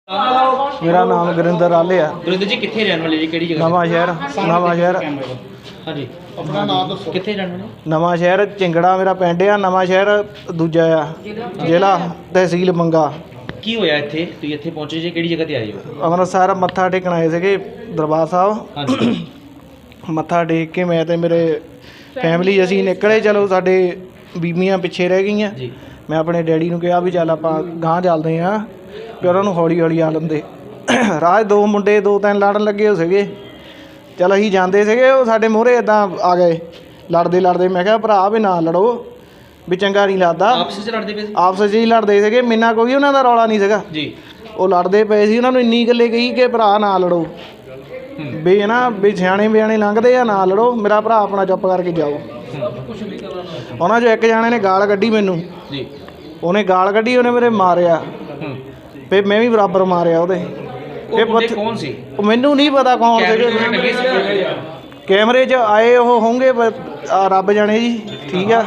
मेरा नाम गुरिंदर आले है। गुरिंदर जी कितने रहने वाले जी, केड़ी जगह? नवा शहर हाँ जी, अपना नाम दसो। कितने रहने वाले? नवा शहर चिंगड़ा मेरा पिंड आ। नवा शहर दूजा आ, जिला तहसील मंगा। ਕੀ ਹੋਇਆ ਇੱਥੇ? ਤੁਸੀਂ ਇੱਥੇ ਪਹੁੰਚੇ ਜੀ, ਕਿਹੜੀ ਜਗ੍ਹਾ ਤੇ ਆਏ ਹੋ? ਅੰਮ੍ਰਿਤਸਰ ਮੱਥਾ ਟੇਕਣ ਆਏ ਸੀਗੇ ਦਰਬਾਰ ਸਾਹਿਬ। ਹਾਂਜੀ। ਮੱਥਾ ਟੇਕ ਕੇ ਮੈਂ ਤੇ ਮੇਰੇ ਫੈਮਿਲੀ ਅਸੀਂ ਨਿਕਲੇ। ਚਲੋ ਸਾਡੇ ਬੀਬੀਆਂ ਪਿੱਛੇ ਰਹਿ ਗਈਆਂ। ਜੀ। ਮੈਂ ਆਪਣੇ ਡੈਡੀ ਨੂੰ ਕਿਹਾ ਵੀ ਚੱਲ ਆਪਾਂ ਗਾਂਹ ਚੱਲਦੇ ਹਾਂ, ਵੀ ਉਹਨਾਂ ਨੂੰ ਹੌਲੀ ਹੌਲੀ ਆ ਲੈਂਦੇ। ਰਾਜ ਦੋ ਮੁੰਡੇ ਦੋ ਤਿੰਨ ਲੜਨ ਲੱਗੇ ਹੋ ਸੀਗੇ। ਚਲ ਅਸੀਂ ਜਾਂਦੇ ਸੀਗੇ, ਉਹ ਸਾਡੇ ਮੂਹਰੇ ਇੱਦਾਂ ਆ ਗਏ ਲੜਦੇ ਲੜਦੇ। ਮੈਂ ਕਿਹਾ ਭਰਾ ਵੀ ਨਾ ਲੜੋ, ਵੀ ਚੰਗਾ ਨਹੀਂ ਲੱਗਦਾ। ਆਪਸ ਵਿੱਚ ਲੜਦੇ ਪਏ ਸੀ? ਆਪਸ 'ਚ ਹੀ ਲੜਦੇ ਸੀਗੇ, ਮੇਨਾ ਕੋਈ ਉਹਨਾਂ ਦਾ ਰੌਲਾ ਨਹੀਂ ਸੀਗਾ ਜੀ। ਉਹ ਲੜਦੇ ਪਏ ਸੀ। ਉਹਨਾਂ ਨੂੰ ਇੰਨੀ ਗੱਲੇ ਕਹੀ ਕਿ ਭਰਾ ਨਾ ਲੜੋ, ਵੀ ਹੈ ਨਾ, ਵੀ ਸਿਆਣੇ ਬਿਆਣੇ ਲੰਘਦੇ ਆ, ਨਾ ਲੜੋ, ਮੇਰਾ ਭਰਾ ਆਪਣਾ ਚੁੱਪ ਕਰਕੇ ਜਾਓ। ਉਹਨਾਂ 'ਚੋਂ ਇੱਕ ਜਾਣੇ ਨੇ ਗਾਲ ਕੱਢੀ ਮੈਨੂੰ। ਜੀ। ਉਹਨੇ ਗਾਲ ਕੱਢੀ, ਉਹਨੇ ਮੇਰੇ ਮਾਰਿਆ, ਫਿਰ ਮੈਂ ਵੀ ਬਰਾਬਰ ਮਾਰਿਆ ਉਹਦੇ। ਕੌਣ ਸੀ? ਮੈਨੂੰ ਨਹੀਂ ਪਤਾ ਕੌਣ ਸੀਗੇ। ਕੈਮਰੇ 'ਚ ਆਏ ਉਹ ਹੋਣਗੇ ਰੱਬ ਜਾਣੇ ਜੀ। ਠੀਕ ਆ,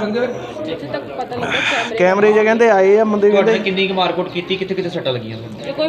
ਕੈਮਰੇ 'ਚ ਕਹਿੰਦੇ ਆਏ ਆ ਬੰਦੇ। ਕਹਿੰਦੇ ਕਿੰਨੀ ਕੁ ਮਾਰਕੁੱਟ ਕੀਤੀ, ਕਿੱਥੇ ਕਿੱਥੇ ਸੱਟਾਂ ਲੱਗੀਆਂ?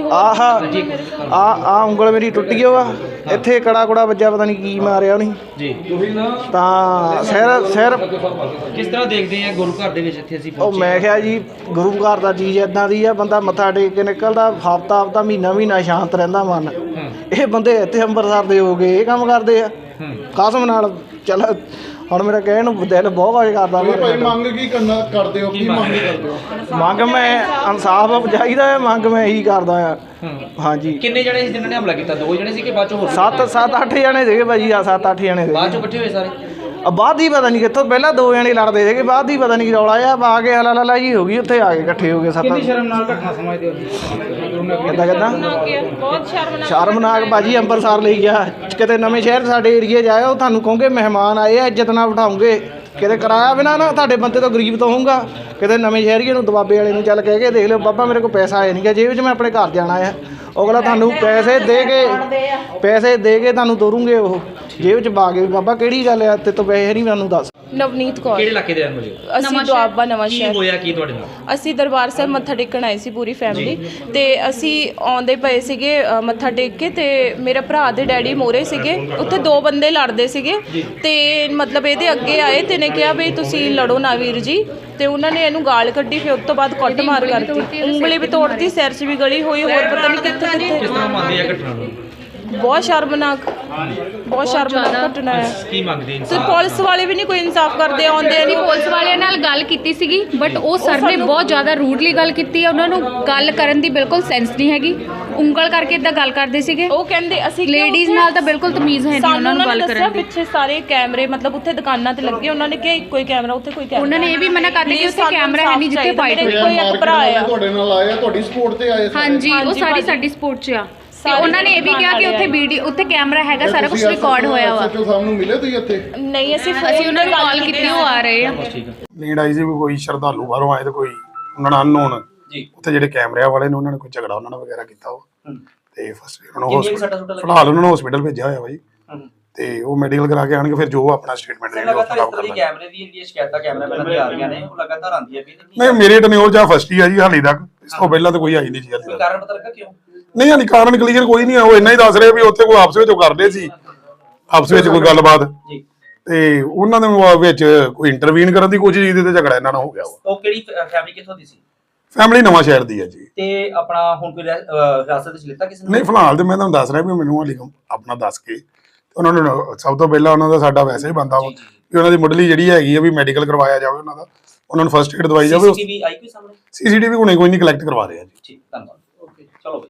ਆਹ ਉਂਗਲ ਮੇਰੀ ਟੁੱਟ ਗਈ ਵਾ, ਇੱਥੇ ਕੜਾ ਕੁੜਾ ਵੱਜਾ, ਪਤਾ ਨਹੀਂ ਕੀ ਮਾਰਿਆ ਉਹਨੇ ਜੀ। ਤਾਂ ਸਿਰ ਕਿਸ ਤਰ੍ਹਾਂ ਦੇਖਦੇ ਆ ਗੁਰੂ ਘਰ ਦੇ ਵਿੱਚ ਇੱਥੇ ਅਸੀਂ ਉਹ ਮੈਂ ਕਿਹਾ ਜੀ ਗੁਰੂ ਘਰ ਦਾ ਚੀਜ਼ ਇੱਦਾਂ ਦੀ ਆ, ਬੰਦਾ ਮੱਥਾ ਟੇਕ ਕੇ ਨਿਕਲਦਾ ਹਫ਼ਤਾ ਮਹੀਨਾ ਸ਼ਾਂਤ ਰਹਿੰਦਾ ਮਨ। ਇਹ ਬੰਦੇ ਇੱਥੇ ਅੰਮ੍ਰਿਤਸਰ ਦੇ ਹੋ ਗਏ, ਇਹ ਕੰਮ ਕਰਦੇ ਆ ਕਸਮ ਨਾਲ। ਚੱਲ ਹੁਣ ਮੇਰਾ ਕਹਿਣ ਨੂੰ ਦਿਲ ਬਹੁਤ ਕੁਝ ਕਰਦਾ। ਮੰਗ ਕੀ ਕਰਦੇ ਹੋ? ਕੀ ਮੰਗ ਕਰਦੇ ਹੋ? ਮੰਗ ਮੈਂ ਇਨਸਾਫ ਚਾਹੀਦਾ ਹੈ, ਮੰਗ ਮੈਂ ਇਹੀ ਕਰਦਾ ਆ। ਹਾਂਜੀ। ਕਿੰਨੇ ਜਣੇ ਸੀ ਜਿਨ੍ਹਾਂ ਨੇ ਹਮਲਾ ਕੀਤਾ? 2 ਜਣੇ ਸੀ ਕਿ ਬਾਅਦ ਚੋਂ ਹੋਰ? 7-8 ਜਣੇ ਸੀਗੇ ਭਾਜੀ। 7-8 ਜਣੇ ਸੀਗੇ। ਬਾਅਦ ਚੋਂ ਇਕੱਠੇ ਹੋਏ ਸਾਰੇ? ਬਾਅਦ ਹੀ ਪਤਾ ਨਹੀਂ ਕਿੱਥੋਂ, ਪਹਿਲਾਂ 2 ਜਣੇ ਲੜਦੇ ਸੀਗੇ, ਬਾਅਦ ਹੀ ਪਤਾ ਨਹੀਂ ਕੀ ਰੌਲਾ ਆ ਕੇ ਹਲਾ ਜੀ ਹੋ ਗਈ, ਉੱਥੇ ਆ ਕੇ ਇਕੱਠੇ ਹੋ ਗਏ। 7 ਸ਼ਰਮਨਾਕ ਘਟਨਾ ਸਮਝਦੇ ਹੋ? ਕਿੱਦਾਂ ਸ਼ਰਮਨਾਕ ਭਾਜੀ। ਅੰਮ੍ਰਿਤਸਰ ਲਈ ਗਿਆ, ਕਿਤੇ ਨਵੇਂ ਸ਼ਹਿਰ ਸਾਡੇ ਏਰੀਏ 'ਚ ਆਇਆ, ਉਹ ਤੁਹਾਨੂੰ ਕਹੋਗੇ ਮਹਿਮਾਨ ਆਏ ਆ, ਇੱਜ਼ਤ ਨਾਲ ਬਿਠਾਉਂਗੇ। ਕਿਤੇ ਕਿਰਾਇਆ ਬਿਨਾਂ ਨਾ ਤੁਹਾਡੇ ਬੰਦੇ ਤੋਂ ਗਰੀਬ ਤੋਂ ਹੋਊਗਾ। ਕਿਤੇ ਨਵੇਂ ਸ਼ਹਿਰੀਏ ਨੂੰ ਦਬਾਬੇ ਵਾਲੇ ਨੂੰ ਚੱਲ ਕਹਿ ਕੇ ਦੇਖ ਲਿਓ, ਬਾਬਾ ਮੇਰੇ ਕੋਲ ਪੈਸਾ ਆਇਆ ਨਹੀਂ ਗਾ ਜੇਬ 'ਚ, ਮੈਂ ਆਪਣੇ ਘਰ ਜਾਣਾ ਆ। ਅਗਲਾ ਤੁਹਾਨੂੰ ਪੈਸੇ ਦੇ ਕੇ ਤੁਹਾਨੂੰ ਤੋਰੂਗੇ, ਉਹ ਜੇਬ 'ਚ ਪਾ ਕੇ। ਬਾਬਾ ਕਿਹੜੀ ਗੱਲ ਆ, ਤੇ ਤੋਂ ਪੈਸੇ ਨਹੀਂ ਮੈਨੂੰ ਦੱਸ। ਨਵਨੀਤ ਕੌਰ। ਕਿਹੜੇ ਇਲਾਕੇ ਦੇ ਰਹਿਣ ਵਾਲੇ? ਅਸੀਂ ਦੁਆਬਾ ਨਵਾਂ ਸ਼ਹਿਰ। ਕੀ ਹੋਇਆ ਕੀ ਤੁਹਾਡੇ ਨਾਲ? ਅਸੀਂ ਦਰਬਾਰ ਸਾਹਿਬ ਮੱਥਾ ਟੇਕਣ ਆਏ ਸੀ ਪੂਰੀ ਫੈਮਿਲੀ, ਤੇ ਅਸੀਂ ਆਉਂਦੇ ਪਏ ਸੀਗੇ ਮੱਥਾ ਟੇਕ ਕੇ, ਤੇ ਮੇਰੇ ਭਰਾ ਦੇ ਡੈਡੀ ਮੋਰੇ ਸੀਗੇ। ਉੱਥੇ 2 ਬੰਦੇ ਲੜਦੇ ਸੀਗੇ, ਤੇ ਮਤਲਬ ਇਹਦੇ ਅੱਗੇ ਆਏ ਤੇ ਨੇ ਕਿਹਾ ਵੀ ਤੁਸੀਂ ਲੜੋ ਨਾ ਵੀਰ ਜੀ, ਤੇ ਉਹਨਾਂ ਨੇ ਇਹਨੂੰ ਗਾਲ ਕੱਢੀ। ਫਿਰ ਉਸ ਤੋਂ ਬਾਅਦ ਕੁੱਟ ਮਾਰ ਕਰਤੀ, ਉਂਗਲੀ ਵੀ ਤੋੜਤੀ, ਸਿਰ 'ਚ ਵੀ ਗਲੀ ਹੋਈ, ਹੋਰ ਪਤਾ ਨਹੀਂ ਕਿੱਥੇ ਕਿਸ ਤਰ੍ਹਾਂ ਮੰਨਦੇ ਆ ਘਟਨਾ ਨੂੰ? ਬਹੁਤ ਸ਼ਰਮਨਾਕ ਘਟਨਾ ਹੈ। ਕੀ ਮੰਗਦੇ ਤੇ ਪੁਲਿਸ ਵਾਲੇ ਵੀ ਨਹੀਂ ਕੋਈ ਇਨਸਾਫ ਕਰਦੇ। ਆਉਂਦੇ ਨਹੀਂ। ਪੁਲਿਸ ਵਾਲਿਆਂ ਨਾਲ ਗੱਲ ਕੀਤੀ ਸੀਗੀ, ਬਟ ਉਹ ਸਰ ਨੇ ਬਹੁਤ ਜ਼ਿਆਦਾ ਰੂਡਲੀ ਗੱਲ ਕੀਤੀ ਹੈ। ਉਹਨਾਂ ਨੂੰ ਗੱਲ ਕਰਨ ਦੀ ਬਿਲਕੁਲ ਸੈਂਸ ਨਹੀਂ ਹੈਗੀ, ਉਂਗਲ ਕਰਕੇ ਇਦਾਂ ਗੱਲ ਕਰਦੇ ਸੀਗੇ। ਉਹ ਕਹਿੰਦੇ ਅਸੀਂ ਲੇਡੀਜ਼ ਨਾਲ ਤਾਂ ਬਿਲਕੁਲ ਤਮੀਜ਼ ਹੈ ਨਹੀਂ ਉਹਨਾਂ ਨੂੰ ਗੱਲ ਕਰਨ ਦੀ। ਪਿੱਛੇ ਸਾਰੇ ਕੈਮਰੇ ਮਤਲਬ ਉੱਥੇ ਦੁਕਾਨਾਂ ਤੇ ਲੱਗੇ, ਉਹਨਾਂ ਨੇ ਕਿਹਾ ਇੱਕੋ ਹੀ ਕੈਮਰਾ, ਉੱਥੇ ਕੋਈ ਕੈਮਰਾ। ਉਹਨਾਂ ਨੇ ਇਹ ਵੀ ਮਨਾ ਕਰ ਦਿੱਤਾ ਕਿ ਉੱਥੇ ਕੈਮਰਾ ਹੈ ਨਹੀਂ ਜਿੱਥੇ ਫਾਈਟ ਹੋਈ। ਕੋਈ ਇੱਕ ਭਰਾ ਆ ਤੁਹਾਡੇ ਨਾਲ ਆਇਆ, ਤੁਹਾਡੀ ਸਪੋਰਟ ਤੇ ਆਏ? ਹਾਂਜੀ, ਉਹ ਸਾਡੀ ਸਪੋਰਟ 'ਚ ਆ। ਤੇ ਉਹਨਾਂ ਨੇ ਇਹ ਵੀ ਕਿਹਾ ਕਿ ਉੱਥੇ ਵੀਡੀਓ, ਉੱਥੇ ਕੈਮਰਾ ਹੈਗਾ, ਸਾਰਾ ਕੁਝ ਰਿਕਾਰਡ ਹੋਇਆ ਵਾ। ਸੱਚੋ ਸਾਹਿਬ ਨੂੰ ਮਿਲੇ ਤੁਸੀਂ ਇੱਥੇ? ਨਹੀਂ, ਅਸੀਂ ਉਹਨਾਂ ਨੂੰ ਕਾਲ ਕੀਤੀ, ਉਹ ਆ ਰਹੇ ਆ। ਲੀਡ ਆਈ ਸੀ ਕੋਈ ਸ਼ਰਧਾਲੂ ਬਾਹਰੋਂ ਆਏ ਤੇ ਕੋਈ ਉਹਨਾਂ ਨਾਲ ਅਨਨੋਨ ਜੀ, ਉੱਥੇ ਜਿਹੜੇ ਕੈਮਰਿਆਂ ਵਾਲੇ ਨੇ ਉਹਨਾਂ ਨੇ ਕੋਈ ਝਗੜਾ ਉਹਨਾਂ ਨਾਲ ਵਗੈਰਾ ਕੀਤਾ ਉਹ, ਤੇ ਫਸਟ ਉਹਨਾਂ ਨੂੰ ਫਿਲਹਾਲ ਉਹਨਾਂ ਨੂੰ ਹਸਪੀਟਲ ਭੇਜਿਆ ਹੋਇਆ ਬਾਈ, ਤੇ ਉਹ ਮੈਡੀਕਲ ਕਰਾ ਕੇ ਆਣਗੇ, ਫਿਰ ਜੋ ਆਪਣਾ ਸਟੇਟਮੈਂਟ ਦੇਣਗੇ ਉਹ ਖਰਾਬ ਕਰ ਲਾਂਗੇ। ਕੈਮਰੇ ਦੀ ਜਿਹੜੀਆਂ ਸ਼ਿਕਾਇਤਾਂ ਕੈਮਰਾਮੈਨਾਂ ਦੀਆਂ ਆ ਰਹੀਆਂ ਨੇ, ਉਹ ਲਗਾਤਾਰ ਆਉਂਦੀਆਂ ਵੀ ਨਹੀਂ, ਮੇਰੇ ਟਨਿਓਰ ਜਾਂ ਫਸਟ ਹੀ ਆ ਜੀ ਹਾਲੇ ਤੱਕ, ਇਸ ਤੋਂ ਪਹਿਲਾਂ ਤਾਂ ਕੋਈ ਆਈ ਨਹੀਂ ਜੀ ਹਾਲੇ ਤੱਕ। ਕਾਰਨ ਪਤਾ ਲੱਗਾ ਕਿਉਂ? ਨਹੀਂ ਹਾਲੇ ਕਾਰਨ ਕਲੀਅਰ ਕੋਈ ਨਹੀਂ ਆ, ਉਹ ਇੰਨਾ ਹੀ ਦੱਸ ਰਹੇ ਵੀ ਉੱਥੇ ਕੋਈ ਆਪਸ ਵਿੱਚ ਕਰਦੇ ਸੀ, ਆਪਸ ਵਿੱਚ ਕੋਈ ਗੱਲਬਾਤ, ਤੇ ਉਹਨਾਂ ਦੇ ਵਿੱਚ ਕੋਈ ਇੰਟਰਵੀਨ ਕਰਨ ਦੀ ਕੋਸ਼ਿਸ਼ ਕੀਤੀ ਤੇ ਝਗੜਾ ਇਹਨਾਂ ਨਾਲ ਹੋ ਗਿਆ। ਉਹ ਕਿਹੜੀ ਫੈਮਿਲੀ ਕਿੱਥੋਂ ਦੀ ਸੀ? ਫੈਮਿਲੀ ਨਵਾਂ ਸ਼ਹਿਰ ਦੀ ਹੈ ਜੀ। ਤੇ ਆਪਣਾ ਹੁਣ ਕੋਈ ਹਿਰਾਸਤ ਵਿੱਚ ਲਿੱਤਾ ਕਿਸੇ ਨੇ? ਨਹੀਂ, ਫਿਲਹਾਲ ਤੇ ਮੈਂ ਤੁਹਾਨੂੰ ਦੱਸ ਰਿਹਾ ਵੀ ਮੈਨੂੰ ਹਾਲੇ ਆਪਣਾ ਦੱਸ ਕੇ ਉਹਨਾਂ ਨੂੰ ਸਭ ਤੋਂ ਪਹਿਲਾਂ ਉਹਨਾਂ ਦਾ ਸਾਡਾ ਵੈਸੇ ਹੀ ਬਣਦਾ ਵਾ ਵੀ ਉਹਨਾਂ ਦੀ ਮੁੱਢਲੀ ਜਿਹੜੀ ਹੈਗੀ ਆ ਵੀ ਮੈਡੀਕਲ ਕਰਵਾਇਆ ਜਾਵੇ, ਉਹਨਾਂ ਦਾ ਉਹਨਾਂ ਨੂੰ ਫਸਟ ਏਡ ਦਵਾਈ ਜਾਵੇ। ਸੀਸੀਟੀਵੀ ਆਈ ਕੋਈ ਸਾਹਮਣੇ? ਸੀਸੀਟੀਵੀ ਹੁਣੇ ਕੋਈ ਨਹੀਂ ਕਲੈਕਟ ਕਰਵਾ ਰਿਹਾ ਜੀ। ਠੀਕ, ਧੰਨਵਾਦ।